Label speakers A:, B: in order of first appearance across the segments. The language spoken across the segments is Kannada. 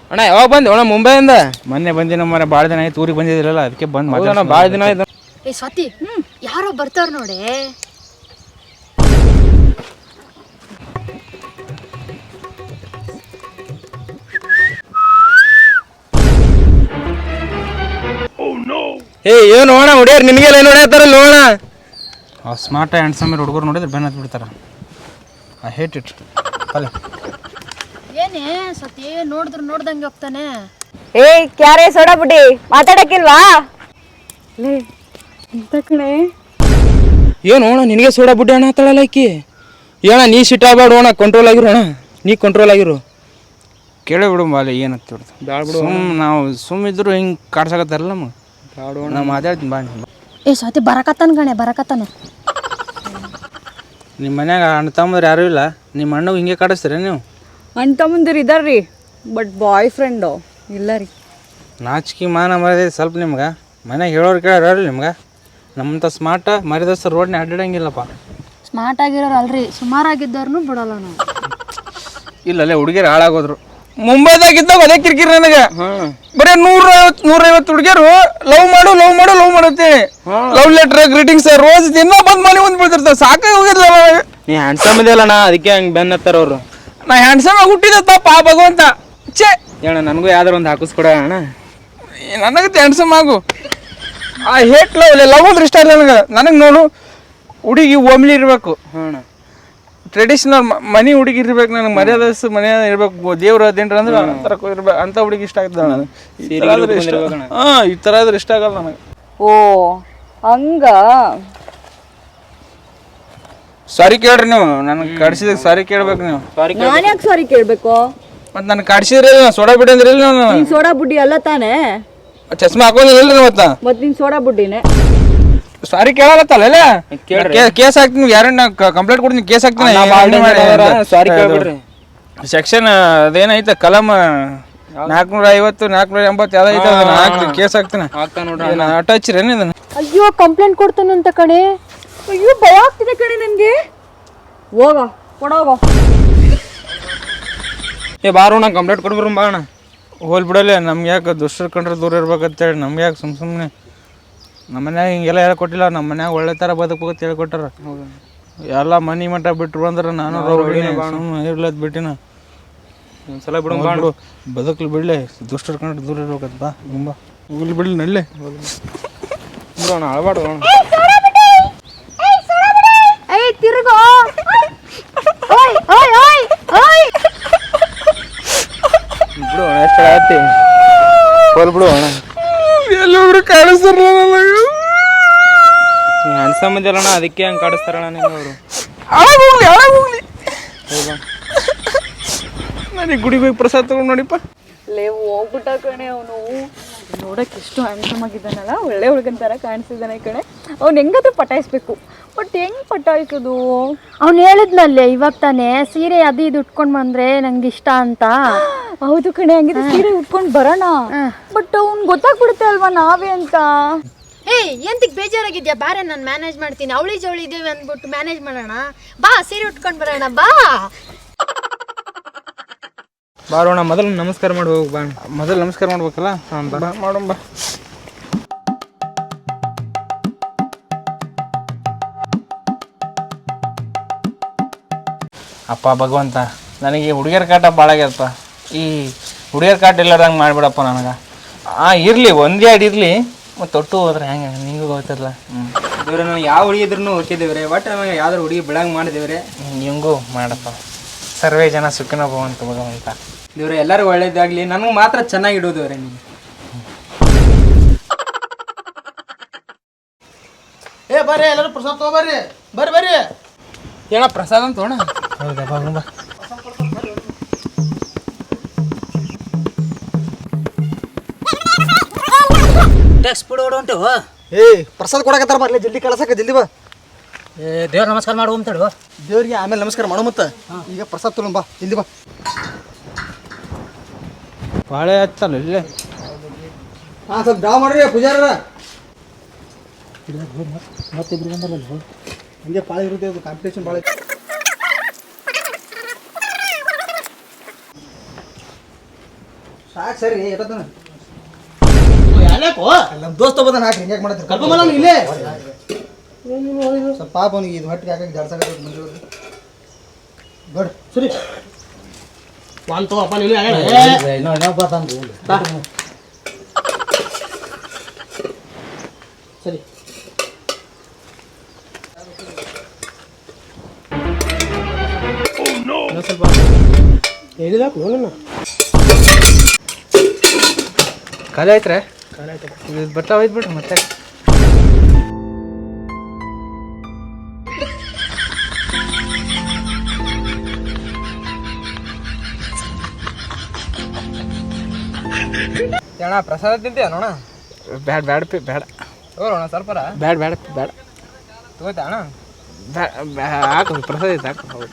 A: ಅಣ್ಣ ಯಾವಾಗ ಬಂದೆ ಅಣ್ಣ ಮುಂಬೈಯಿಂದ?
B: ಮೊನ್ನೆ ಬಂದಿನ ಮರ ಭಾಳ ದಿನ ಆಯ್ತು, ಊರಿಗೆ ಬಂದಿದ್ರಲ್ಲ ಅದಕ್ಕೆ ಬಂದು
A: ಭಾಳ ದಿನ ಆಯ್ತು.
C: ಏ ಸ್ವಾತಿ, ಯಾರೋ ಬರ್ತಾರ ನೋಡಿ.
A: ಏ ಏನು ಅಣ್ಣ ಹುಡಿಯಾರ ನಿನಗೆಲ್ಲ ಏನು ಹೊಡ್ಯಾತಾರಲ್ಲ ಅಣ್ಣ?
B: ಸ್ಮಾರ್ಟ್ ಹ್ಯಾಂಡ್ಸಮ್ ಹುಡುಗರು ನೋಡಿದ್ರೆ ಬೆನ್ನ ಹತ್ತಿ ಬಿಡ್ತಾರ. I hate it. ಅಲ್ಲ
C: ಏನೇ ಸ್ವಾತಿ, ನೋಡಿದ್ರು ನೋಡ್ದಂಗೆ ಹೋಗ್ತಾನೆ.
D: ಏಯ್ ಕ್ಯಾರೇ ಸೋಡಾ ಬುಡ್ಡಿ, ಮಾತಾಡಕ್ಕಿಲ್ವಾ? ಲೇ ಇಂತ ಕಣೆ.
A: ಏನು ಅಣ್ಣ ನಿನಗೆ ಸೋಡಾ ಬುಡ್ಡಿ ಅಣ್ಣ ಹತ್ತಾಳಲ್ಲ ಆಕಿ? ಏಣ ನೀ ಸಿಟ್ ಆಗ್ಬೇಡ ಅಣ್ಣ, ಕಂಟ್ರೋಲ್ ಆಗಿರು ಅಣ್ಣ, ನೀ ಕಂಟ್ರೋಲ್ ಆಗಿರು.
B: ಕೇಳಿ ಬಿಡು ಬಾಲೆ ಏನು ಹತ್ತಿಬಿಡ್ತು.
A: ಬ್ಯಾಡ ಬಿಡು,
B: ನಾವು ಸುಮ್ಮಿದ್ರು ಹಿಂಗೆ ಕಾಡ್ಸಕತ್ತಾರಲ್ಲ ನಮಗೆ. ನಾವು ಮಾತಾಡ್ತೀನಿ ಬಾ.
C: ಏ ಸ್ವಾತಿ ಬರಕತ್ತಾನ ಕಣೆ, ಬರಕತ್ತಾನ.
B: ನಿಮ್ಮ ಮನ್ಯಾಗ ಅಣ್ಣ ತಮ್ಮಂದ್ರೆ ಯಾರೂ ಇಲ್ಲ, ನಿಮ್ಮ ಅಣ್ಣಗೆ ಹಿಂಗೆ ಕಾಡಿಸ್ತೀರ ನೀವು?
D: ಅಣ್ಣ ತಮ್ಮಂದಿರು ಇದಾರ್ರಿ, ಬಟ್ ಬಾಯ್ ಫ್ರೆಂಡು ಇಲ್ಲ ರೀ.
B: ನಾಚಿಕೆ ಮಾನ ಮರ್ಯಾದೆ ಸ್ವಲ್ಪ ನಿಮ್ಗೆ? ಮನ್ಯಾಗ ಹೇಳೋರು ಕೇಳೋರು ನಿಮ್ಗೆ? ನಮ್ಮಂಥ ಸ್ಮಾರ್ಟ ಮರ್ಯಾದಸ್ತ ರೋಡ್ನ ಅಡ್ಡಾಡಂಗಿಲ್ಲಪ್ಪ.
C: ಸ್ಮಾರ್ಟ್ ಆಗಿರೋರು ಅಲ್ರಿ, ಸುಮಾರಾಗಿದ್ದವ್ರನ್ನೂ ಬಿಡಲ್ಲ ನಾವು.
B: ಇಲ್ಲಲ್ಲೇ ಹುಡುಗಿರು ಹಾಳಾಗೋದ್ರು.
A: ಮುಂಬೈದಾಗಿದ್ದಾಗ ಅದೇ ಕಿರಿಕಿರಿ ನನಗೆ. ಬರೀ 150 ಹುಡುಗಿಯರು ಲವ್ ಮಾಡುತ್ತೇನೆ. ಲವ್ ಲೆಟರ್, ಗ್ರೀಟಿಂಗ್ಸ್, ರೋಸ್ ದಿನ ಬಂದ್ ಮನೆ ಮುಂದೆ ಬೀಳ್ತಿರ್ತಾರೆ. ಸಾಕಾಗಿ ಹೋಗಿರ್ಲ. ನೀ ಹ್ಯಾಂಡ್ಸಮ್ ಇದೆಯಲ್ಲ ಅಣ್ಣ, ಅದಕ್ಕೆ ಹಂಗೆ ಬೆನ್ನ ಹತ್ತಾರ ಅವರು. ನಾ ಹ್ಯಾಂಡ್ಸಮ್ ಆಗಿ ಹುಟ್ಟಿದ ತಪ್ಪ ಭಗವಂತ. ಛೇ ಅಣ್ಣ, ನನಗೂ ಯಾವ್ದಾರು ಒಂದು ಹಾಕಿಸ್ಕೊಡ ಅಣ್ಣ. ನನಗತ್ತೆ ಹ್ಯಾಂಡ್ಸಮ್ ಆಗು. ಆ ಹೇಟ್ ಲವ್ ಅಂದ್ರೆ ಇಷ್ಟ ಇಲ್ಲ ನನಗೆ ನೋಡು, ಹುಡುಗಿ ಒಮ್ಲಿ ಇರಬೇಕು. ಅಣ್ಣ ಟ್ರೆಡಿಷನಲ್ ಮನಿ ಹುಡುಗಿ ಇರ್ಬೇಕು, ನನಗೆ ಮರ್ಯಾದಸ್ ಮನೆ ಇರ್ಬೇಕು. ದೇವ್ರ ಅದೇನ್ರ ಅಂದ್ರೆ ಅಂತರ ಇರ್ಬೇಕು, ಅಂತ ಹುಡುಗಿ ಇಷ್ಟ ಆಗ್ತದೆ ನನಗೆ. ಈ ಥರ ಆದ್ರೆ ಇಷ್ಟ ಆಗಲ್ಲ ನನಗೆ.
D: ಓ ಹಂಗ.
B: ಸಾರಿ ಕೇಳ್ರಿ ನೀವು, ನನಗೆ ಕಡ್ಸಿದಾಗ ಸಾರಿ ಕೇಳ್ಬೇಕು ನೀವು.
D: ನಾನು ಯಾಕೆ ಸಾರಿ ಕೇಳ್ಬೇಕು?
B: ಮತ್ತು ನನಗೆ ಕಡ್ಸಿದ್ರಿ ಸೋಡಾ ಬಿಡಿ ಅಂದ್ರೆ ಇಲ್ಲ.
D: ನೀನ್ ಸೋಡಾ ಬುಡ್ಡಿ ಅಲ್ಲ ತಾನೇ?
A: ಚಸ್ಮಾ ಹಾಕೊಂಡಿಲ್ಲ
D: ಮತ್ ನೀನ್ ಸೋಡಾ ಬುಡ್ಡಿನೇ.
A: ಸಾರಿ ಕೇಳತ್ತಲ್ಲ, ಕೇಸ್ ಹಾಕ್ತೀನಿ. ಯಾರನ್ನ ಕಂಪ್ಲೇಂಟ್ ಕೊಡ್ತೀನಿ, ಕೇಸ್ ಹಾಕ್ತೀನಿ. ಸಾರಿ ಕೇಳ್ಬಿಡ್ರಿ. ಸೆಕ್ಷನ್ ಅದೇನೈತೆ ಕಲಂ 450 480 ಯಾವ್ದೈತೆ ಅದನ್ನ ಹಾಕ್ರಿ, ಕೇಸ್ ಹಾಕ್ತೀನಿ. ಅಟ್ಯಾಚ್ರೇನು ಇದನ್ನ?
D: ಅಯ್ಯೋ ಕಂಪ್ಲೇಂಟ್ ಕೊಡ್ತಾನಂತ ಕಣೆ. ಅಯ್ಯೋ ಭಯ ಆಗ್ತಿದೆ ಕಣೆ ನನ್ಗೆ. ಹೋಗ ಕೊಡೋಗ.
A: ಏ ಬಾರೋಣ ಕಂಪ್ಲೇಂಟ್ ಕೊಡ್ಬರು ಬಾ ಅಣ್ಣ.
B: ಹೋಲ್ ಬಿಡಲ್ಲ, ನಮ್ಗೆ ಯಾಕೆ ದುಷ್ಟರ ಕಂಡ್ರೆ ದೂರ ಇರ್ಬೇಕಂತೇಳಿ ನಮ್ಗೆ ಯಾಕೆ ಸುಮ್ಮನೆ ನಮ್ಮ ಮನ್ಯಾಗ ಹಿಂಗೆಲ್ಲ ಹೇಳ್ಕೊಟ್ಟಿಲ್ಲ. ನಮ್ಮ ಮನ್ಯಾಗ ಒಳ್ಳೆ ಥರ ಬದುಕಬೇಕಂತ ಹೇಳ್ಕೊಟ್ಟಾರ. ಎಲ್ಲ ಮನಿ ಮಠ ಬಿಟ್ರು ಅಂದ್ರೆ ನಾನು ಇರ್ಲದ್ ಬಿಟ್ಟಿನ.
A: ಒಂದ್ಸಲ ಬಿಡು,
B: ಬದುಕಲು ಬಿಡಲೆ, ದುಷ್ಟರ ಕಂಡ್ರೆ ದೂರ ಇರ್ಬೇಕಂತ ಬಾ. ತುಂಬ ಹೋಗ್ಲಿ ಬಿಡಲಿ, ನಡ್ಲೆ
A: ಬಿಡೋಣ, ಅಳಬಾಡು
C: ತಿರುಗೋ.
A: ಬಿಡು ಅಣ್ಣ, ಎಷ್ಟು ಆಗತ್ತೆ ಹೋಲ್ ಬಿಡು ಅಣ್ಣ.
B: ಎಲ್ಲೊಬ್ರು ಕಾಣಿಸ್ತಾರ
A: ಹ್ಯಾಂಡ್ಸಮ್ ಇದೆಯಲ್ಲಣ್ಣ, ಅದಕ್ಕೆ ಹಂಗೆ ಕಾಡಿಸ್ತಾರಣ್ಣ ನೀವು ಅವರು.
B: ನನಗೆ ಗುಡಿಗೆ ಹೋಗಿ ಪ್ರಸಾದ ತಗೊಂಡು ನೋಡಿಪ್ಪ.
D: ಲೇ ಹೋಗ್ಬಿಟ್ಟ ಕಣೆ ಅವನು. ನೋಡಕ್ಕೆ ಎಷ್ಟು ಹ್ಯಾಂಡ್ಸಮ್ ಆಗಿದ್ದಾನಲ್ಲ, ಒಳ್ಳೆ ಹುಡುಗನ ಥರ ಕಾಣಿಸ್ತಿದ್ದಾನೆ ಕಣೆ. ಅವ್ನು ಹೆಂಗಾದ್ರೂ ಪಟಾಯಿಸ್ಬೇಕು, ಬಟ್ ಹೆಂಗ್ ಪಟಾಯಿಸೋದು?
C: ಅವ್ನು ಹೇಳಿದ್ನಲ್ಲೇ ಇವಾಗ ತಾನೇ, ಸೀರೆ ಅದು ಇದು ಉಟ್ಕೊಂಡ್ ಬಂದ್ರೆ ನಂಗೆ ಇಷ್ಟ ಅಂತ.
D: ಹೌದು ಕಣೆ, ಹಂಗಿದ್ರೆ ಸೀರೆ ಉಟ್ಕೊಂಡು ಬರೋಣ. ಬಟ್ ಅವ್ನು ಗೊತ್ತಾಗ್ಬಿಡುತ್ತೆ ಅಲ್ವಾ ನಾವೇ ಅಂತ.
C: ಏಯ್ ಎಂತಕ್ ಬೇಜಾರಾಗಿದ್ಯಾ? ಬಾರೆ ನಾನು ಮ್ಯಾನೇಜ್ ಮಾಡ್ತೀನಿ. ಅವಳಿ ಜವಳಿ ಇದ್ದೇವೆ ಅಂದ್ಬಿಟ್ಟು ಮ್ಯಾನೇಜ್ ಮಾಡೋಣ ಬಾ, ಸೀರೆ ಉಟ್ಕೊಂಡು ಬರೋಣ ಬಾ.
A: ಬಾರೋಣ, ಮೊದಲು ನಮಸ್ಕಾರ ಮಾಡಿ ಹೋಗಿ ಬಾ.
B: ಮೊದಲು ನಮಸ್ಕಾರ ಮಾಡ್ಬೇಕಲ್ಲ. ಹಾಂ ಬಾ ಮಾಡೋಣ ಬಾ. ಅಪ್ಪ ಭಗವಂತ, ನನಗೆ ಹುಡುಗಿಯರ ಕಾಟ ಭಾಳ ಆಗ್ಯದಪ್ಪ. ಈ ಹುಡುಗಿಯರ ಕಾಟ ಇಲ್ಲಾರ್ದಂಗೆ ಮಾಡಿಬಿಡಪ್ಪ ನನಗೆ. ಇರಲಿ, ಒಂದೇ ಅಡಿ ಇರಲಿ, ಮತ್ತು ತೊಟ್ಟು ಹೋದ್ರೆ ಹೆಂಗೆ ನಿಂಗೂ ಗೊತ್ತಿರಲ್ಲ.
A: ದೇವ್ರೆ, ನನಗೆ ಯಾವ ಹುಡುಗಿ ಇದ್ರೂ ಹುಟ್ಟಿದೇವ್ರೆ, ಒಟ್ಟು ನನಗೆ ಯಾವ್ದಾರು ಹುಡುಗಿ ಬಿಡಂಗೆ ಮಾಡಿದೇವ್ರೆ.
B: ನಿಮಗೂ ಮಾಡಪ್ಪ. ಸರ್ವೇ ಜನ ಸುಖಿನೋ ಭವಂತು ಭಗವಂತ.
A: ದೇವ್ರೆ ಎಲ್ಲರಿಗೂ ಒಳ್ಳೇದಾಗಲಿ, ನನಗೆ ಮಾತ್ರ ಚೆನ್ನಾಗಿ ಇಡೋದೇವ್ರೆ ನೀವು.
E: ಏ ಬರ್ರಿ, ಎಲ್ಲರೂ ಪ್ರಸಾದ ತಗೋಬರ್ರಿ. ಬರ್ರಿ
A: ಏನ ಪ್ರಸಾದ ಅಂತ ತೋಣ.
B: ಹೌದಾ, ಬಾ.
E: ಟ್ಯಾಕ್ಸ್ ಬಿಡು ಹೊಂಟು. ಏಯ್ ಪ್ರಸಾದ ಕೊಡಕತ್ತಾರ, ಬರ್ಲಿ ಜಲ್ದಿ ಕಳ್ಸಕ, ಜಲ್ದಿ ಬಾ. ದೇವ್ರ ನಮಸ್ಕಾರ ಮಾಡು ಅಂತೇಳು. ದೇವ್ರಿಗೆ ಆಮೇಲೆ ನಮಸ್ಕಾರ ಮಾಡು. ಮತ್ತೆ ಈಗ ಪ್ರಸಾದ ತೊಗೊಂಡು ಬಾ, ಜಲ್ದಿ ಬಾ.
B: ಬಾಳೆ ಹಚ್ಚಲ್ಲ ಇಲ್ಲೇ.
E: ಹಾಂ, ಸ್ವಲ್ಪ ಡ್ರಾ ಮಾಡ್ರಿ ಪೂಜಾರ. ಮತ್ತಿಬ್ರು ಬಂದಲ್ಲ, ಹಂಗೆ ಭಾಳ ಇರುತ್ತೆ, ಅದು ಕಾಂಪಿಟೇಷನ್ ಭಾಳ. ಸಾಕು ಸರಿ ಎಟ್ಟತನ ನಮ್ಮ ದೋಸ್ತ ಬಂದ ನಾಲ್ಕು ಹಿಂಗೆ ಮಾಡ್ತಾರೆ ಕರ್ಕೊಂಬಲ್ಲ ಇಲ್ಲೇ ಸ್ವಲ್ಪ ಪಾಪ ಅವನಿಗೆ ಇದು ಹೊಟ್ಟಿಗೆ ಹಾಕಿ ಜಡ್ಸಾಕ ಬಂದಿರೋದು ದೊಡ್ಡ ಸರಿ ಅಪ್ಪ ಸರಿ ಸ್ವಲ್ಪ ಹೇಳಿದಾಕು ನೋಡೋಣ
B: ಖಾಲಿ ಆಯ್ತ್ರೆ ಇದು ಬರ್ತಾವ ಬಿಡ್ರಿ ಮತ್ತೆ
A: ಅಣ್ಣ ಪ್ರಸಾದ ತಿಂತೀಯ ನೋಣ
B: ಬ್ಯಾಡ ಬ್ಯಾಡ ಪಿ ಬ್ಯಾಡ
A: ತಗೋಣ ಸ್ವಲ್ಪ
B: ಬ್ಯಾಡ ಬ್ಯಾಡ ಬ್ಯಾಡ
A: ತಗೋತಾ ಅಣ್ಣ
B: ಹಾಕು ಪ್ರಸಾದ ಐತೆ ಹಾಕು ಹೌದು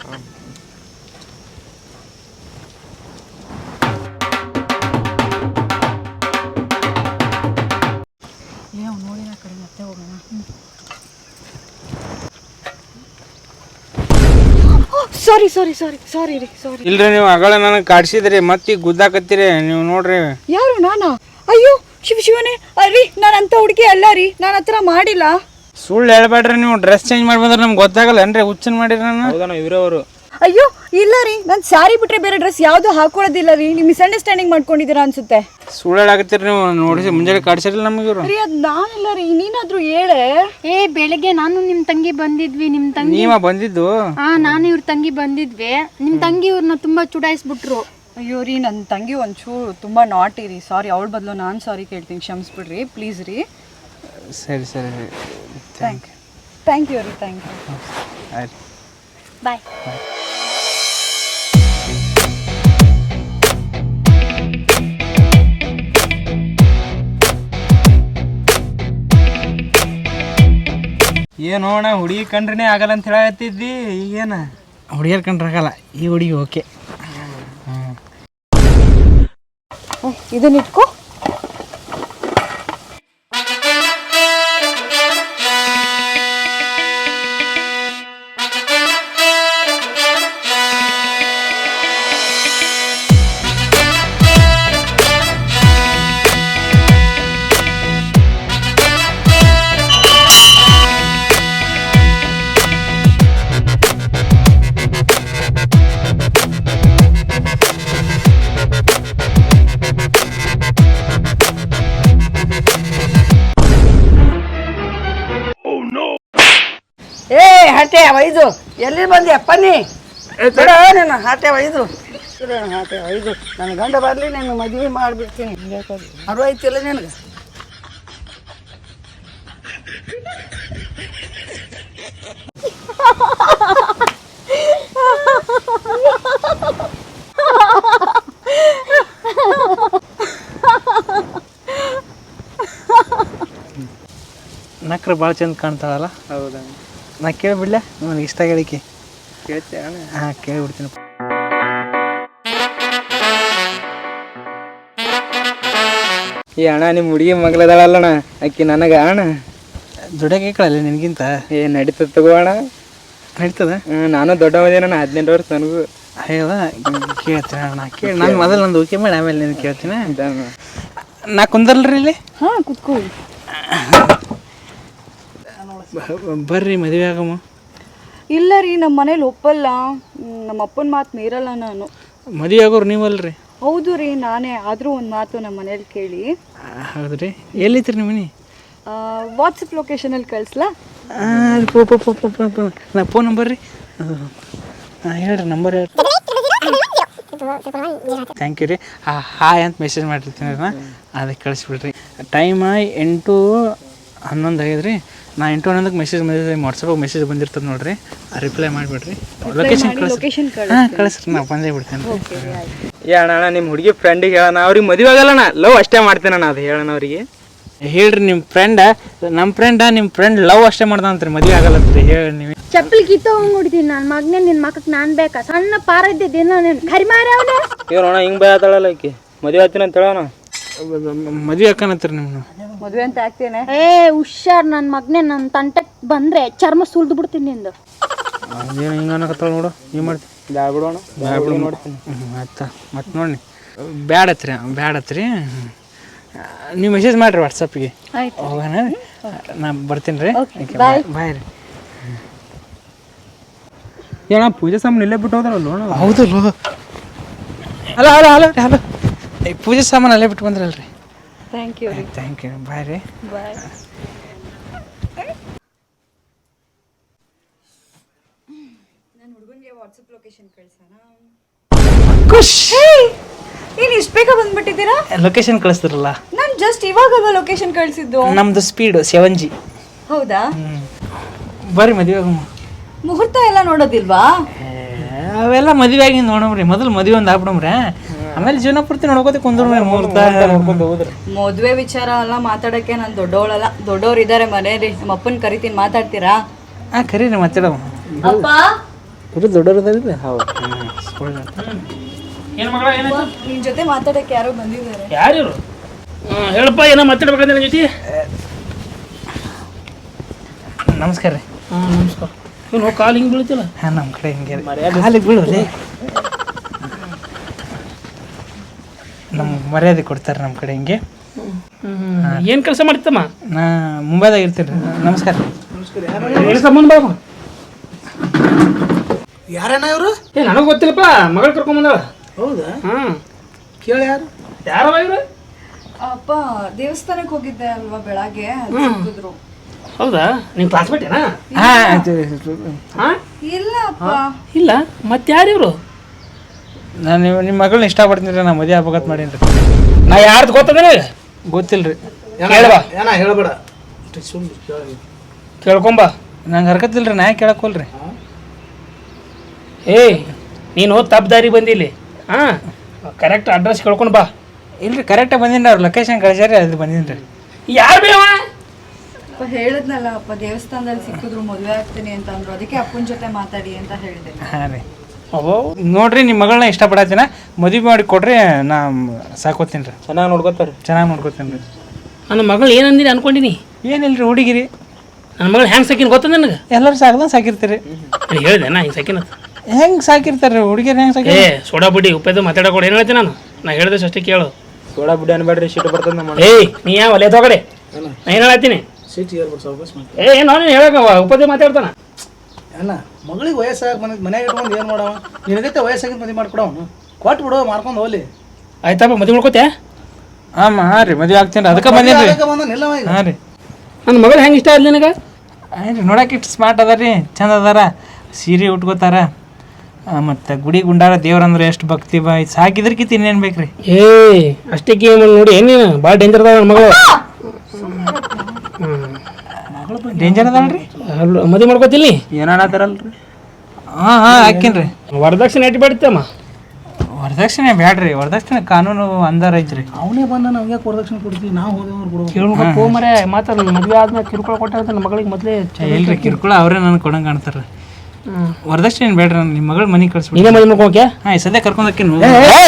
D: ಸಾರಿ ಸಾರಿ ಸಾರಿ ಸಾರಿ ರೀ ಸಾರಿ.
B: ಇಲ್ರಿ ನೀವು ಅಗಳ ನನಗೆ ಕಾಡ್ಸಿದ್ರಿ ಮತ್ತೆ ಈಗ ಗುದ್ದಾಕತ್ತೀರಿ ನೀವು ನೋಡ್ರಿ.
D: ಯಾರು ನಾನಾ? ಅಯ್ಯೋ ಶಿವನೇ ಅರಿ ನಾನು ಅಂತ ಹುಡುಗಿ ಅಲ್ಲ ರೀ, ನಾನು ಹತ್ರ ಮಾಡಿಲ್ಲ.
B: ಸುಳ್ಳು ಹೇಳ್ಬೇಡ್ರಿ, ನೀವು ಡ್ರೆಸ್ ಚೇಂಜ್ ಮಾಡಿ ಬಂದ್ರೆ ನಮ್ಗೆ ಗೊತ್ತಾಗಲ್ಲ ಏನ್ರಿ ಹುಚ್ಚನ್ ಮಾಡಿರಿ ನಾನು ಇವರವರು.
D: ಅಯ್ಯೋ ಇಲ್ಲ ರೀ, ನಾನು ಸ್ಯಾರಿ ಬಿಟ್ರೆ ಬೇರೆ ಡ್ರೆಸ್ ಯಾವುದು ಹಾಕೊಳ್ಳೋದಿಲ್ಲ ರೀ. ನೀವು ಮಿಸ್ಅಂಡರ್ಸ್ಟ್ಯಾಂಡಿಂಗ್ ಮಾಡ್ಕೊಂಡಿದ್ದೀರಾ ಅನ್ಸುತ್ತೆ.
B: ಸುಳ್ಳು ಹೇಳಾಕತ್ತೀರಿ ನೀವು. ನೋಡಿಸಿ ಮುಂಜಾನೆ ಕಾಡ್ಸಿರಲ್ಲ ನಮಗೆ ಇವರು.
D: ರೀ ಅದು ನಾನಿಲ್ಲ ರೀ, ನೀನಾದ್ರೂ ಹೇಳೆ.
C: ಬೆಳಗ್ಗೆ ನಾನು ನಿಮ್ ತಂಗಿ ಬಂದಿದ್ವಿ. ನಿಮ್ ತಂಗಿ
B: ನೀವ ಬಂದಿದ್ದು?
C: ನಾನು ಇವ್ರ ತಂಗಿ ಬಂದಿದ್ವಿ. ನಿಮ್ ತಂಗಿ ಇವ್ರನ್ನ ತುಂಬಾ ಚುಡಾಯಿಸ್ಬಿಟ್ರು.
D: ಅಯ್ಯೋ ರೀ, ನನ್ನ ತಂಗಿ ಒಂಚೂರು ತುಂಬ ನಾಟಿ ರೀ. ಸಾರಿ, ಅವಳ ಬದಲು ನಾನು ಸಾರಿ ಕೇಳ್ತೀನಿ, ಕ್ಷಮಿಸ್ಬಿಡ್ರಿ ಪ್ಲೀಸ್ ರೀ.
B: ಸರಿ ಸರಿ
D: ಥ್ಯಾಂಕ್ ಯು ರೀ, ಥ್ಯಾಂಕ್ ಯು.
B: ಆಯ್ತು,
C: ಬಾಯ್.
B: ಏನೋ ಅಣ್ಣ ಹುಡುಗಿ ಕಂಡ್ರೆ ಆಗಲ್ಲ ಅಂತ ಹೇಳತ್ತಿದ್ದಿ, ಈಗೇನ ಹುಡುಗಿಯರ್ ಕಂಡ್ರೆ ಆಗಲ್ಲ, ಈ ಹುಡುಗಿ ಓಕೆ.
D: ಇದನ್ನ ಇಟ್ಕೋ.
F: ಹಾಟೆ ಒಯ್ದು ಎಲ್ಲಿ ಬಂದ್ಯಪ್ಪ ನೀ? ಬಿಡ ನನ್ನ ಹಾಟೆ ಒಯ್ದು ಹಾಟೆ ಒಯ್ದು ನನ್ನ ಗಂಡ ಬರಲಿ, ನಾನು ಮದುವೆ ಮಾಡಿಬಿಡ್ತೀನಿ. ಅರ್ವೈತಿಲ್ಲ ನಿನಗೆ?
B: ನಕ್ರೆ ಭಾಳ ಚಂದ ಕಾಣ್ತಾಳಲ್ಲ.
A: ಹೌದಾ?
B: ನಾ ಕೇಳಿಬಿಡ್ಲೆ, ನನಗೆ ಇಷ್ಟ ಹೇಳಿಕೆ
A: ಕೇಳ್ತೀಯ ಅಣ್ಣ?
B: ಹಾಂ ಕೇಳಿಬಿಡ್ತೀನಿ.
A: ಈ ಅಣ್ಣ ನಿಮ್ಮ ಹುಡುಗಿ ಮಗಳದಾಳಲ್ಲಣ್ಣ, ಆಕಿ ನನಗೆ ಅಣ್ಣ
B: ದುಡಿಯೋಕೆ ಕೇಳಲ್ಲ ನಿನಗಿಂತ.
A: ನಡೀತದ ತಗೋ ಅಣ್ಣ.
B: ನಡೀತದ?
A: ನಾನು ದೊಡ್ಡವದೇನಣ್ಣ, 18 ವರ್ಷ ನನಗೂ.
B: ಅಯ್ಯವ ಕೇಳ್ತೀನಿ ಅಣ್ಣ, ಕೇಳಿ. ನಾನು ಮೊದಲು ನಂದು ಓಕೆ ಮಾಡಿ ಆಮೇಲೆ ನೀನು ಕೇಳ್ತೀನಿ. ನಾ ಕುಂದಲ್ರಿ ಇಲ್ಲಿ?
D: ಹಾಂ ಕುತ್ಕೊಳ್ಳಿ.
B: ಬರ್ರಿ ಮದುವೆ ಆಗಮ್ಮ.
D: ಇಲ್ಲ ರೀ, ನಮ್ಮ ಮನೇಲಿ ಒಪ್ಪಲ್ಲ. ನಮ್ಮ ಅಪ್ಪನ ಮಾತು ಮೀರಲ್ಲ ನಾನು.
B: ಮದುವೆ ಆಗೋರು ನೀವಲ್ರಿ?
D: ಹೌದು ರೀ, ನಾನೇ. ಆದರೂ ಒಂದು ಮಾತು ನಮ್ಮ ಮನೇಲಿ ಕೇಳಿ.
B: ಹೌದು ರೀ. ಎಲ್ಲಿತ್ರಿ ನಿಮ್ಮ ಮನೆ?
D: ವಾಟ್ಸಪ್ ಲೊಕೇಶನಲ್ಲಿ ಕಳಿಸ್ಲಾ?
B: ನಾ ಫೋನ್ ನಂಬರ್ ರೀ. ಹಾಂ ಹೇಳ್ರಿ, ನಂಬರ್ ಹೇಳ್ರಿ. ಥ್ಯಾಂಕ್ ಯು ರೀ. ಹಾಯ್ ಅಂತ ಮೆಸೇಜ್ ಮಾಡಿರ್ತೀನಿ ರೀ, ನಾ ಅದಕ್ಕೆ ಕಳಿಸ್ಬಿಡ್ರಿ. ಟೈಮ್ 8:11 ಆಗ್ಯದ ರೀ. ನಾ 8:11ಕ್ಕೆ ಮೆಸೇಜ್ ಬಂದಿದ್ದೆ, ವಾಟ್ಸಪ್ಪಾಗ ಮೆಸೇಜ್ ಬಂದಿರ್ತದೆ ನೋಡಿರಿ, ರಿಪ್ಲೈ ಮಾಡಿಬಿಡ್ರಿ. ಲೊಕೇಶನ್ ಹಾಂ ಕಳಿಸ್ರಿ, ನಾ ಬಂದೇ ಬಿಡ್ತೇನೆ.
A: ಏ ಅಣ್ಣ, ನಿಮ್ಮ ಹುಡುಗಿ ಫ್ರೆಂಡಿಗೆ ಹೇಳೋಣ, ಅವ್ರಿಗೆ ಮದುವೆ ಆಗಲ್ಲಣ್ಣ, ಲವ್ ಅಷ್ಟೇ ಮಾಡ್ತೇನಣ್ಣ, ಅದು ಹೇಳೋಣ ಅವ್ರಿಗೆ.
B: ಹೇಳ್ರಿ ನಿಮ್ಮ ಫ್ರೆಂಡ, ನಮ್ಮ ನಿಮ್ಮ ಫ್ರೆಂಡ್ ಲವ್ ಅಷ್ಟೇ ಮಾಡ್ದಂತ್ರಿ, ಮದುವೆ ಆಗಲ್ಲತ್ರಿ. ಹೇಳಿ ನೀವು.
C: ಚಪ್ಪಲಿ ಕಿತ್ತೋಂಗ್ ಹೊಡಿತೀನಿ ನನ್ನ ಮಗನೇ. ನಿನ್ನ ಮಕ್ಕಕ್ಕೆ ನಾನು ಬೇಕಾ? ಸಣ್ಣ ಪಾರ ಇದ್ದಿದ್ದೇನೋ ನೀನು ಕರಿಮಾರ ಅವನ.
A: ಏನೋಣ ಹಿಂಗೆ ಭಯ ಆತಾಳಲ್ಲ ಆಕಿ, ಮದುವೆ ಆಗ್ತೀನಿ ಅಂತ ಹೇಳೋಣ.
B: ಮದುವೆ ಹಾಕನತ್ರಿ ನಿಮ್ಮನ್ನು?
D: ಮದುವೆ ಅಂತ ಆಗ್ತೇನೆ.
C: ಹುಷಾರ್ ನನ್ನ ಮಗನೇ. ನನ್ನ ತಂಟಕ್ಕೆ ಬಂದರೆ ಚರ್ಮ ಸುಲ್ದು ಬಿಡ್ತೀನಿ ನಿಂದು.
B: ಅದೇನು ಹಿಂಗೆ ಅನ್ನಕತ್ತಾಳ ನೋಡು, ಏನು ಮಾಡ್ತೀನಿ?
A: ಬ್ಯಾಡ ಬಿಡೋಣ, ಬ್ಯಾಡ ಬಿಡು ನೋಡ್ತೀನಿ.
B: ಆಯ್ತಾ ಮತ್ತೆ ನೋಡಿ ಬ್ಯಾಡತ್ರಿ ಬ್ಯಾಡತ್ರಿ ನೀವು ಮೆಸೇಜ್ ಮಾಡಿರಿ ವಾಟ್ಸಪ್ಗೆ
D: ಆಯ್ತು.
B: ಹೋಗೋಣ ನಾ ಬರ್ತೀನಿ ರೀ
D: ಬಾಯ್.
B: ಬಾಯ್ ರೀ.
A: ಏನ ಪೂಜೆ ಸಾಮಾನು ಇಲ್ಲೇ ಬಿಟ್ಟು ಹೋದ್ರಲ್ಲ
B: ಹೌದಲ್ವ ಅಲ್ಲ ಅಲ್ಲ ಅಲ್ಲ ರೀ ಅಲ್ಲ ಪೂಜೆ ಸಾಮಾನು ಅಲ್ಲೇ ಬಿಟ್ಟು ಬಂದ್ರಲ್ರಿ.
D: ಥ್ಯಾಂಕ್ ಯು ರೀ.
B: ಥ್ಯಾಂಕ್ ಯು ಬಾಯ್ ರೀ.
D: ಬಾಯ್. ಏನ್ ಇಷ್ಟು ಬೇಗ ಬಂದ್ಬಿಟ್ಟಿದ್ದೀರಾ?
B: ಲೊಕೇಶನ್ ಕಳಿಸ್ತಿರಲ್ಲ
D: ನಾನು ಜಸ್ಟ್ ಇವಾಗಲ್ವಾ ಲೊಕೇಶನ್ ಕಳಿಸಿದ್ದು.
B: ನಮ್ದು ಸ್ಪೀಡು 7G.
D: ಹೌದಾ?
B: ಬರ್ರಿ ಮದುವೆ
D: ಮುಹೂರ್ತ ಎಲ್ಲ ನೋಡೋದಿಲ್ವಾ?
B: ಅವೆಲ್ಲ ಮದುವೆ ಆಗಿ ನೋಡಮ್ರಿ. ಮೊದಲು ಮದುವೆ ಒಂದು ಆಗ್ಬಿಡಮ್ರಿ, ಆಮೇಲೆ ಜೀವನ ಪೂರ್ತಿ ನೋಡ್ಕೋತಿ ಕುಂದ್ರಿ ಮುಹೂರ್ತ ನೋಡ್ಕೊಂಡು ಹೋದ್ರಿ.
D: ಮದುವೆ ವಿಚಾರ ಎಲ್ಲ ಮಾತಾಡಕ್ಕೆ ನಾನು ದೊಡ್ಡವಳಲ್ಲ. ದೊಡ್ಡವ್ರು ಇದ್ದಾರೆ ಮನೇಲಿ. ನಮ್ಮ ಅಪ್ಪನ ಕರಿತೀನಿ, ಮಾತಾಡ್ತೀರಾ?
B: ಹಾಂ ಕರೀರಿ ಮಾತಾಡೋ.
D: ಅಪ್ಪ
B: ದೊಡ್ಡವ್ರು ಅದಾರಿಲ್ಲ. ಹೌದು.
G: ಏನು ಮಗಳ ಏನಾಯ್ತು?
D: ನಿನ್ ಜೊತೆ ಮಾತಾಡಕ್ಕೆ ಯಾರೋ ಬಂದಿದ್ದಾರೆ.
G: ಯಾರು ಹೇಳಪ್ಪ, ಏನೋ ಮಾತಾಡ್ಬೇಕಂದ್ರೆ ನನ್ನ ಜೊತೆ.
B: ನಮಸ್ಕಾರ ರೀ.
G: ಹಾಂ ನಮಸ್ಕಾರ. ಏನು ಕಾಲು ಹಿಂಗೆ ಬೀಳ್ತಿಲ್ಲ?
B: ಹಾಂ ನಮ್ಮ ಕಡೆ ಹಿಂಗೆ ಕಾಲಿಗೆ ಬೀಳೋರಿ. ನಮ್ಗೆ ಮರ್ಯಾದೆ ಕೊಡ್ತಾರೆ ನಮ್ಮ ಕಡೆ ಹಿಂಗೆ.
G: ಏನು ಕೆಲಸ ಮಾಡ್ತಮ್ಮ?
B: ನಾ ಮುಂಬೈದಾಗ ಇರ್ತೀನಿ ರೀ. ನಮಸ್ಕಾರ ರೀ.
G: ಏನು ಸಂಬಂಧ ಬಾಬು?
E: ಯಾರೇನ ಇವರು?
G: ನನಗೆ ಗೊತ್ತಿಲ್ಲಪ್ಪ, ಮಗಳು ಕರ್ಕೊಂಬಂದಾಳ.
E: ಹೌದಾ?
G: ಹಾಂ
E: ಕೇಳಿ ಯಾರು?
G: ಯಾರವ ಇವರು?
D: ಅಪ್ಪ ದೇವಸ್ಥಾನಕ್ಕೆ ಹೋಗಿದ್ದೆ ಅಲ್ವಾ ಬೆಳಗ್ಗೆ, ಸಿಕ್ಕಿದ್ರು.
G: ಹೌದಾ? ನಿಮ್ಮ ಕ್ಲಾಸ್ಮೇಟ್ ಏನಾ? ಹಾಂ
D: ಇಲ್ಲ ಅಪ್ಪ.
G: ಇಲ್ಲ, ಮತ್ತೆ ಯಾರು ಇವರು?
B: ನಾನು ನಿಮ್ಮ ಮಗಳನ್ನ ಇಷ್ಟಪಡ್ತೀನಿ ರೀ. ನಾ ಮದುವೆ ಆಗ್ಬೇಕಂತ ಮಾಡೀನಿ ರೀ.
G: ನಾ ಯಾರ್ದು ಗೊತ್ತದ
B: ಗೊತ್ತಿಲ್ಲ ರೀ.
G: ಕೇಳವಾ?
E: ಏನ ಹೇಳ್ಬೇಡ.
G: ಕೇಳ್ಕೊಂಬ.
B: ನಂಗೆ ಹರ್ಕತ್ತಿಲ್ಲ ರೀ. ನಾ ಯಾಕೆ ಕೇಳಕ್ಕೋಲ್ರಿ?
G: ಏಯ್ ನೀನು ತಪ್ಪು ದಾರಿ ಬಂದಿಲ್ಲಿ. ಹಾಂ ಕರೆಕ್ಟ್ ಅಡ್ರೆಸ್ ಕೇಳ್ಕೊಂಡು ಬಾ.
B: ಇಲ್ರಿ ಕರೆಕ್ಟಾಗಿ ಬಂದೀನಿ. ಅವ್ರು ಲೊಕೇಶನ್ ಕಳಿಸ್ಯಾರಿ, ಅದು ಬಂದೀನಿ ರೀ.
G: ಯಾರು ಬೇವ?
D: ಅಪ್ಪ ಹೇಳಿದ್ನಲ್ಲ ಅಪ್ಪ, ದೇವಸ್ಥಾನದಲ್ಲಿ ಸಿಕ್ಕಿದ್ರು ಮದುವೆ ಆಗ್ತೀನಿ ಅಂತ ಅಂದ್ರು. ಅದಕ್ಕೆ ಅಪ್ಪನ ಜೊತೆ ಮಾತಾಡಿ ಅಂತ ಹೇಳಿದೆ.
B: ಹಾಂ ರೀ. ನೋಡ್ರಿ ನಿಮ್ಮ ಮಗಳನ್ನ ಇಷ್ಟಪಡತ್ತೀನ, ಮದುವೆ ಮಾಡಿ ಕೊಡ್ರಿ. ನಾ ಸಾಕೋತೀನಿ ರೀ.
A: ಚೆನ್ನಾಗಿ ನೋಡ್ಕೋತಾರೆ.
B: ಚೆನ್ನಾಗಿ ನೋಡ್ಕೋತೀನಿ ರೀ.
G: ನನ್ನ ಮಗಳು ಏನಂದಿನಿ ಅನ್ಕೊಂಡಿನಿ.
B: ಏನಿಲ್ಲ ರೀ, ಹುಡುಗಿರಿ.
G: ನನ್ನ ಮಗಳು ಹೆಂಗೆ ಸಾಕಿನ ಗೊತ್ತ ನನಗೆ?
B: ಎಲ್ಲರೂ ಸಾಕ್ದಂಗೆ ಸಾಕಿರ್ತೀರಿ.
G: ಹೇಳಿದೆ ನಾ ಹಿಂಗೆ ಸಾಕಿನ
B: ಹೆಂಗೆ ಸಾಕಿರ್ತಾರೆ ಹುಡುಗಿರು? ಹೆಂಗೆ ಸಾಕಿ?
G: ಸೋಡಾ ಬುಡ್ಡಿ ಉಪ್ಪೇದು ಮಾತಾಡೋಕೊಡು. ಏನು ಹೇಳ್ತೀನಿ ನಾ ಹೇಳಿದಷ್ಟು ಅಷ್ಟೇ ಕೇಳು.
A: ಸೋಡಾ ಬಿಡಿ ಅನ್ಬೇಡ್ರಿ, ಶೀಟ್ ಬರ್ತದೆ ನಮ್ಮ.
G: ಏಯ್ ನೀ ಯಾವ ಒಲೆ ತಗೊಡೆ. ನಾ ಏನು ಹೇಳ್ತೀನಿ? ಏನು ನೀನು ಹೇಳಕ ಉಪದೇ ಮಾತಾಡ್ತಾನ.
E: ಅಲ್ಲ ಮಗಳಿಗೆ ವಯಸ್ಸಾಗಿ ಬಂದಿದ್ದು ಮನೆಗೆ ಇಟ್ಕೊಂಡು ಏನು ಮಾಡವ? ನಿನಗೈತೆ ವಯಸ್ಸಾಗಿದ್ದು ಮದುವೆ ಮಾಡ್ಕೊಡವನು. ಕೊಟ್ಟು ಬಿಡು, ಮಾಡ್ಕೊಂಡು ಹೋಗ್ಲಿ.
G: ಆಯ್ತಪ್ಪ ಮದುವೆ ಮಾಡ್ಕೋತೆ?
B: ಹಾಂ ರೀ, ಮದುವೆ ಆಗ್ತೀನಿ ರೀ. ಅದಕ್ಕೆ ಬಂದೀನಿ ರೀ.
E: ನಿಲ್ಲವ ಈಗ.
B: ಹಾಂ ರೀ.
G: ನನ್ನ ಮಗಳು ಹೆಂಗೆ ಇಷ್ಟ ಆದ್ಲಿ ನಿನಗೆ?
B: ಆಯ್ತು ರೀ, ನೋಡಕ್ಕೆ ಇಷ್ಟು ಸ್ಮಾರ್ಟ್ ಅದ ರೀ, ಚಂದ ಅದಾರ, ಸೀರೆ ಉಟ್ಕೋತಾರ, ಮತ್ತು ಗುಡಿ ಗುಂಡಾರ ದೇವ್ರಂದ್ರೆ ಎಷ್ಟು ಭಕ್ತಿ ಬಾ. ಇದು ಸಾಕಿದ್ರಕ್ಕಿಂತ ಇನ್ನೇನು ಬೇಕು ರೀ?
G: ಏಯ್ ಅಷ್ಟಕ್ಕೆ ನೋಡಿ ಏನೇನು ಭಾಳ ಡೇಂಜರ್ ಅದ ನನ್ನ ಮಗಳು.
B: ಡೇಂಜರ್ ಅದಲ್ರಿ.
G: ಮದುವೆ ಮಾಡ್ಕೋತಿಲ್ಲಿ
A: ಏನಾಣತಾರಲ್ರಿ?
B: ಹಾಂ ಹಾಕೀನಿ ರೀ.
G: ವರದಕ್ಷಿಣೆ ಎಟ್ಟು ಬೇಡ್ತಮ್ಮ?
B: ವರದಕ್ಷಿಣೆ ಬ್ಯಾಡ್ರಿ. ವರದಕ್ಷಿಣೆ ಕಾನೂನು ಅಂದಾರ ಐತ್ರಿ.
E: ಅವನೇ ಬಂದ ನಾವು ಯಾಕೆ ವರದಕ್ಷಿಣೆ ಕೊಡ್ತೀವಿ? ನಾವು ಹೋದವ್ರು ಕೊಡ್ಬೇಕು.
G: ಕೇಳ್ಬೇಕು ಮರೆ. ಮಾತ್ರ ನನ್ನ ಮದುವೆ ಆದ್ಮೇಲೆ ಕಿರುಕುಳ ಕೊಟ್ಟಾಗ ನನ್ನ ಮಗಳಿಗೆ ಮೊದಲೇ
B: ಇಲ್ರಿ, ಕಿರುಕುಳ ಅವರೇ ನನಗೆ ಕೊಡಂಗೆ ಕಾಣ್ತಾರ. ವರದಕ್ಷಿಣೆ ಬೇಡ್ರಿ. ನಿಮ್ಮ ಮಗಳು ಮನೆಗೆ ಕಳಿಸ್ಬಿಡಿ.
G: ನೀನೇ ಮದುವೆ ಮಾಡ್ಕೋಕೆ?
B: ಹಾಂ, ಈ ಸದ್ಯ ಕರ್ಕೊಂಡು ಹೋಗ್ತೀನಿ.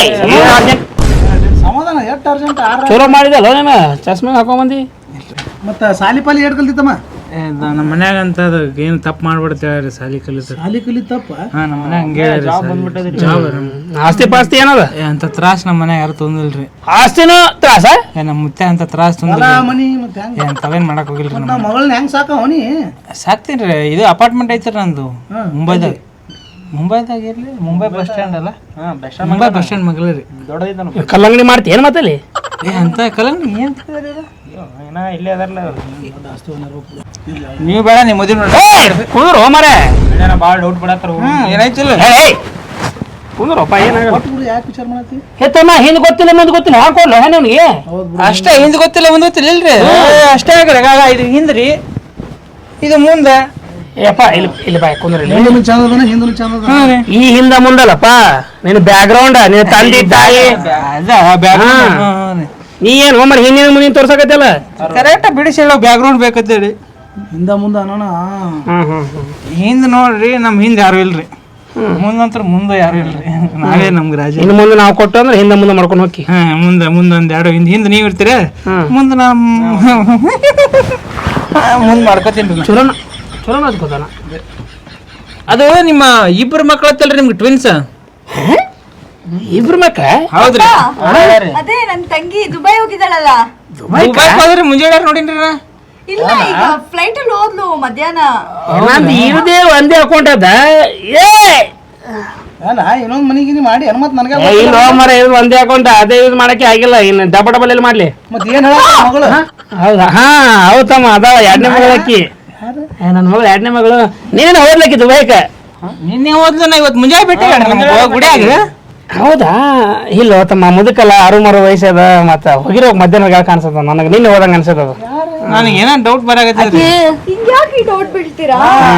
E: ಸಮಾಧಾನ ಎಷ್ಟು ಅರ್ಜೆಂಟ್?
G: ಚಲೋ ಮಾಡಿದಲ್ಲ ನಾನು ಚಸ್ಮೆ ಹಾಕೊಂಬಂದು.
E: ಮತ್ತು ಸಾಲಿ ಪಾಲಿ ಏಟ್ ಕಲ್ತಿತ್ತಮ್ಮ?
B: ನಮ್ಮ ಮನ್ಯಾಗ ಅಂತ ಅದು ಏನು ತಪ್ಪು ಮಾಡ್ಬಿಡ್ತೇವೆ ಸಾಲಿ ಕಲಿತ.
E: ಸಾಲಿ ಕಲಿತಪ್ಪ?
B: ಹಾಂ, ನಮ್ಮ ಮನ್ಯಾಗ ಹಂಗೆ ಹೇಳಿ ಜಾಬ್
G: ಆಸ್ತಿ ಪಾಸ್ತಿ ಏನದ?
B: ಅಂತ ತ್ರಾಸ ನಮ್ಮ ಮನ್ಯಾಗ ಯಾರು ತೊಂದಿಲ್ರಿ.
G: ಆಸ್ತಿನೂ ತ್ರಾಸ?
B: ನಮ್ಮ ಮುತ್ತೆ ಅಂತ ತ್ರಾಸ ತೊಂದಿಲ್ಲ.
E: ಮನಿ ಮತ್ತೆ ಹೆಂಗೆ?
B: ತಾವೇನು ಮಾಡಕ್ ಹೋಗಿಲ್ರಿ.
E: ನಾವು ಮಗಳನ್ನ ಹೆಂಗೆ ಸಾಕವ ನೀ?
B: ಸಾಕ್ತೀನಿ ರೀ. ಇದು ಅಪಾರ್ಟ್ಮೆಂಟ್ ಐತ್ರಿ ನಂದು ಮುಂಬೈದಾಗ ಇರ್ಲಿ. ಮುಂಬೈ ಬಸ್ ಸ್ಟ್ಯಾಂಡ್ ಅಲ್ಲ? ಮುಂಬೈ ಬಸ್ ಸ್ಟ್ಯಾಂಡ್ ಮಗಳು ರೀ.
A: ದೊಡ್ಡದೈತ.
G: ಕಲ್ಲಂಗಡಿ ಮಾಡ್ತಿ ಏನು ಮಾತಲ್ಲಿ?
B: ಅಂತ ಕಲಂಗ್ ಏನು
A: ಏನ ಇಲ್ಲೇ ಅದಾರಲ್ಲ
B: ನೀವು ಬೇಡ, ನೀವು ಮದುವೆ ನೋಡಿ
G: ಕುಂದ್ರು ಮರೆ.
A: ಭಾಳ ಡೌಟ್ ಬಿಡತ್ತಾರ.
B: ಏನಾಯ್ತಿಲ್ಲ.
G: ಕುಂದ್ರಪ್ಪ ಏನಾಗ
E: ಯಾಕೆ ವಿಚಾರ ಮಾಡತ್ತಿ?
G: ಹೆತ್ತಮ್ಮ ಹಿಂದೆ ಗೊತ್ತಿಲ್ಲ ಮುಂದೆ ಗೊತ್ತಿಲ್ಲ ಹಾಕೊಡ್ಲ ನಿನಗೆ
B: ಅಷ್ಟೇ. ಹಿಂದ್ ಗೊತ್ತಿಲ್ಲ ಮುಂದ್ ಗೊತ್ತಿಲ್ಲ ಇಲ್ರಿ. ಅಷ್ಟೇ ಆಗ್ರಿ. ಇದು ಹಿಂದ್ರಿ, ಇದು ಮುಂದೆ.
G: ಏಪ್ಪ ಇಲ್ಲಿ ಇಲ್ಲಿ ಬಾಯ್ ಕುಂದ್ರಿ.
E: ಮುಂದೂ ಚಂದ ಅದಾನ, ಹಿಂದೂ ಚಂದ ಅದಾನ.
G: ಈ ಹಿಂದ ಮುಂದಲ್ಲಪ್ಪ ನಿನ್ನ ಬ್ಯಾಕ್ ಗ್ರೌಂಡ್, ನಿನ್ನ ತಂದೆ ತಾಯಿ. ನೀ ಏನು ಒಮ್ಮೆ ಹಿಂದಿನ ಮುಂದಿನ ತೋರ್ಸಕತ್ತಲ್ಲ.
B: ಕರೆಕ್ಟ್ ಬಿಡಿಸಿ ಹೇಳೋ ಬ್ಯಾಕ್ ಗ್ರೌಂಡ್ ಬೇಕಂತೇಳಿ.
E: ಹಿಂದ ಮುಂದೆ ಅನ್ನೋಣ.
B: ಹಿಂದ್ ನೋಡ್ರಿ, ನಮ್ಮ ಹಿಂದೆ ಯಾರು ಇಲ್ರಿ. ಮುಂದಂತ್ರ ಮುಂದೆ ಯಾರು ಇಲ್ರಿ. ನಾವೇ ನಮ್ಗೆ ರಾಜ.
G: ಇನ್ನು ಮುಂದೆ ನಾವು ಕೊಟ್ಟು ಅಂದ್ರೆ ಹಿಂದೆ ಮುಂದೆ ಮಾಡ್ಕೊಂಡು ಹೋಗಿ.
B: ಹಾ, ಮುಂದೆ ಒಂದ್ ಎರಡು ಹಿಂದೆ ನೀವು ಇರ್ತೀರ, ಮುಂದೆ ಮುಂದೆ ಮಾಡ್ಕೋತೀನಿ.
G: ಚಲೋ ಚಲೋ ಅದ್ಕೋತಾನ.
B: ಅದು ನಿಮ್ಮ ಇಬ್ಬರು ಮಕ್ಳು ಹತ್ತಲ್ರಿ ನಿಮ್ಗೆ ಟ್ವಿನ್ಸ್?
G: ಇಬ್ರು ಮಕ್ಕ
B: ಹೌದ್ರಿ
D: ಅದೇ ನನ್ ತಂಗಿ ದುಬೈ ಹೋಗಿದ್ದಾಳಲ್ಲ.
B: ದುಬೈಗ್ ಹೋದ್ರಿ ಮುಂಜಾನೆ ನೋಡಿನ್ರಿ ನಾ.
D: ಇಲ್ಲ ಈಗ ಫ್ಲೈಟ್ ಅಲ್ಲಿ ಹೋದ್ಲು ಮಧ್ಯಾಹ್ನ.
G: ನಂದು ಇರದೇ ಒಂದೇ ಅಕೌಂಟ್ ಅದ.
E: ಅಲ್ಲ ಇನ್ನೊಂದು ಮನಿಗಿನಿ ಮಾಡಿ ಮತ್ತೆ ನನಗೆ
G: ಇಲ್ಲ ಮರ ಇದು ಒಂದೇ ಅಕೌಂಟ್ ಅದೇ ಯೂಸ್ ಮಾಡಕ್ಕೆ ಆಗಿಲ್ಲ. ಇನ್ನು ಡಬಲ್ ಎಲ್ಲಿ ಮಾಡ್ಲಿ?
E: ಮತ್ತೆ ಏನು ಹೇಳ ಮಗಳು?
G: ಹೌದಾ? ಹಾ ಹೌದಮ್ಮ ಅದಾವ. 2ನೇ ಮಗಳು ಅಕ್ಕಿ. ನನ್ನ ಮಗಳು 2ನೇ ಮಗಳು. ನೀನು ಹೋದ್ಲಕ್ಕಿ ದುಬೈಕ?
B: ನಿನ್ನೆ ಹೋದ್ಲು, ನಾ ಇವತ್ತು ಮುಂಜಾನೆ ಬಿಟ್ಟೆ ಗುಡಿಯಾಗ.
G: ಹೌದಾ? ಇಲ್ಲ ತಮ್ಮ ಮುದುಕಲ್ಲ 6 ವಯಸ್ಸದ. ಮತ್ತೆ ಹೋಗಿರೋ ಮಧ್ಯಾಹ್ನ ಕಾಣಿಸ್ತದ ನನಗೆ. ನಿನ್ನೆ ಹೋದಂಗ ಅನ್ಸದ.
B: ನನಗೆ ಏನೋ ಡೌಟ್ ಬರಾಕತ್ತೈತಿ.
D: ಹಿಂಗ್ಯಾಕೆ ಡೌಟ್ ಬೀಳ್ತೀರಾ?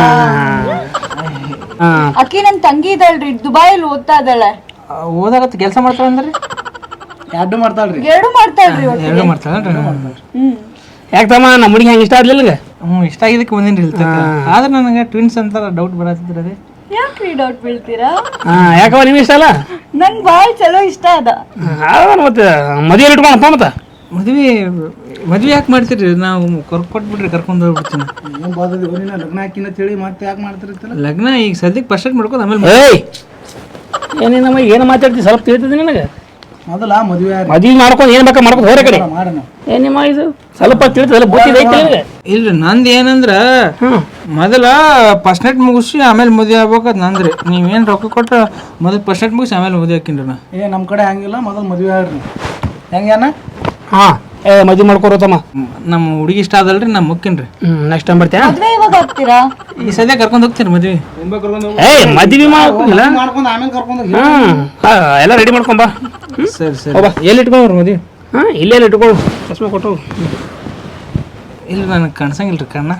D: ಅಕ್ಕಿ ನನ್ ತಂಗಿ ಇದ್ದಾಳ್ರಿ, ದುಬೈಯಲ್ಲಿ ಓದ್ತಾ ಇದ್ದಾಳೆ.
B: ಓದಾಗತ್ತ ಕೆಲಸ ಮಾಡ್ತಾಳ ಅಂದ್ರಿ?
E: ಎರಡು ಮಾಡ್ತಾಳ್ರಿ.
D: ಎರಡು ಮಾಡ್ತಾಳ್ರಿ.
B: ಎರಡು ಮಾಡ್ತಾಳನ್ರಿ?
G: ಯಾಕೆ ತಮ್ಮ ನಮ್ಮ ಹುಡುಗಿ ಹಂಗೆ ಇಷ್ಟ ಆಗ್ಲಿಲ್ಲ?
B: ಇಷ್ಟ ಆಗಿದ್ದಕ್ಕೆ ಬಂದಿನ್ರಿ ಇಲ್ಲಿ ತನಕ. ಆದ್ರೆ ನನಗೆ ಟ್ವಿನ್ಸ್ ಅಂತ ಡೌಟ್ ಬರತ್ತಿದ್ರಿ. ಅದೇ
D: ಯಾಕ್ರಿ ಡೌಟ್ ಬೀಳ್ತೀರಾ?
G: ಯಾಕವ ನಿಮ್ಗೆ ಇಷ್ಟ ಅಲ್ಲ?
D: ನಂಗೆ ಭಾಳ ಚಲೋ ಇಷ್ಟ ಅದ.
G: ಮತ್ತೆ ಮದುವೆ ಇಟ್ಕೊಳಪ್ಪ. ಮತ್ತೆ
B: ಮದ್ವೆ ಯಾಕೆ ಮಾಡ್ತೀರಿ? ನಾವು ಕೊಟ್ಬಿಟ್ರಿ ಕರ್ಕೊಂಡು ಹೋಗ್ಬಿಡ್ತೀನಿ.
E: ಏನು ಬಾದದಿ ನೀನು ಲಗ್ನ ಹಾಕಿನ ತಿಳಿ ಮತ್ತೆ ಯಾಕೆ ಮಾಡ್ತಿರ್ತಿಲ್ಲ?
B: ಲಗ್ನ ಈಗ ಸದ್ಯಕ್ಕೆ ಫಸ್ಟ್ ಮಾಡ್ಕೊಂಡು ಆಮೇಲೆ
G: ಏಯ್ ಏನೇನಮ್ಮ ಏನು ಮಾತಾಡ್ತಿ? ಸ್ವಲ್ಪ ತಿಳಿತದೆ ನಿನಗೆ?
E: ಮೊದಲ ಮದುವೆ
G: ಮದುವೆ ಮಾಡ್ಕೊಂಡು ಏನು ಬೇಕಾ ಮಾಡ್ಕೊಂಡು ಹೋರ ಕಡೆ
E: ಮಾಡೋಣ.
G: ಏನಿಮ್ಮ ಇದು ಸ್ವಲ್ಪ ತಿಳಿತದಲ್ಲ? ಬುದ್ಧಿ ಐತಿ ನಿನಗೆ?
B: ಇಲ್ರಿ ನಂದು ಏನಂದ್ರ ಮೊದಲ ಫಸ್ಟ್ ನೈಟ್ ಮುಗಿಸಿ ಆಮೇಲೆ ಮದುವೆ ಆಗ್ಬೇಕದ್ ನಂದ್ರಿ. ನೀವೇನು ರೊಕ್ಕ ಕೊಟ್ರ ಮೊದಲು ಫಸ್ಟ್ ನೈಟ್ ಮುಗಿಸಿ ಆಮೇಲೆ ಮದುವೆ ಹಾಕಿನ್ರಿ ನಾ.
E: ನಮ್ಮ ಕಡೆ ಹಂಗಿಲ್ಲ, ಮೊದಲು ಮದುವೆ ಆಗ್ರಿ. ಹೆಂಗೇನ?
G: ಹಾಂ ಮದುವೆ ಮಾಡ್ಕೊರೋತಮ್ಮ.
B: ನಮ್ಮ ಹುಡುಗಿ ಇಷ್ಟ ಅದಲ್ರಿ, ನಾ ಮುಕ್ಕಿನ್ರಿ.
G: ನೆಕ್ಸ್ಟ್ ಟೈಮ್ ಬರ್ತೀಯಾ?
D: ಮದ್ವೆ ಇವಾಗ ಹೋಗ್ತೀರಾ?
B: ಈ ಸದ್ಯ ಕರ್ಕೊಂಡು ಹೋಗ್ತೀನಿ ಮದ್ವೆ.
G: ಏಯ್ ಮದುವೆ ಮಾಡ್ಕೊಂಡಿಲ್ಲ?
E: ಮಾಡ್ಕೊಂಡು ಆಮೇಲೆ ಕರ್ಕೊಂಡು
G: ಎಲ್ಲ ರೆಡಿ ಮಾಡ್ಕೊಂಬಾ.
B: ಸರಿ ಸರಿ. ಎಲ್ಲಿ ಇಟ್ಕೊಂಡ್ರಿ ಮದ್ವೆ?
G: ಹಾಂ ಇಲ್ಲೇ ಇಟ್ಕೊಳ್ಳು. ಚಸ್ಮಾ ಕೊಟ್ಟು.
B: ಇಲ್ಲ ನನಗೆ ಕಾಣಿಸಂಗಿಲ್ರಿ ಕಣ್ಣ.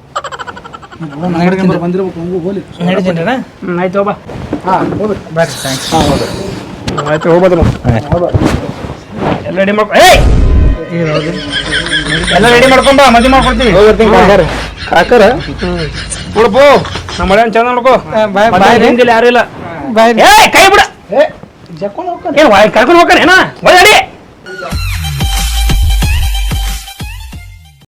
E: ಬಂದಿರ್ಬೇಕು ಹಂಗೂ ಹೋಲಿ.
B: ನಡೀತೀನ್ರಿ?
G: ಆಯ್ತು ಹೋಗ್ಬಾ.
E: ಹಾಂ ಹೋಗ್ರಿ.
B: ಬರ್ರಿ ಥ್ಯಾಂಕ್ಸ್.
G: ಆಯ್ತು ಹೋಗ್ಬೋದು. ಎಲ್ಲ ರೆಡಿ ಮಾಡ್ಕೊ. ಏಯ್ ಎಲ್ಲ ರೆಡಿ ಮಾಡ್ಕೊಂಬ, ಮದುವೆ ಮಾಡ್ಕೊಡ್ತೀವಿ. ಕಾಕರ ನೋಡಪ್ಪು ನಮ್ಮ ಮಳೆ ಚಂದ ನೋಡ್ಕೋ. ಯಾರು ಇಲ್ಲ.
B: ಬಾಯ್.
G: ಏ ಕೈ ಬಿಡ.
E: ಜಕ್ಕೊಂಡು ಹೋಗ್ತಾನೆ.
G: ಏನು ಕರ್ಕೊಂಡು ಹೋಗ್ತಾನೆ ಏನ?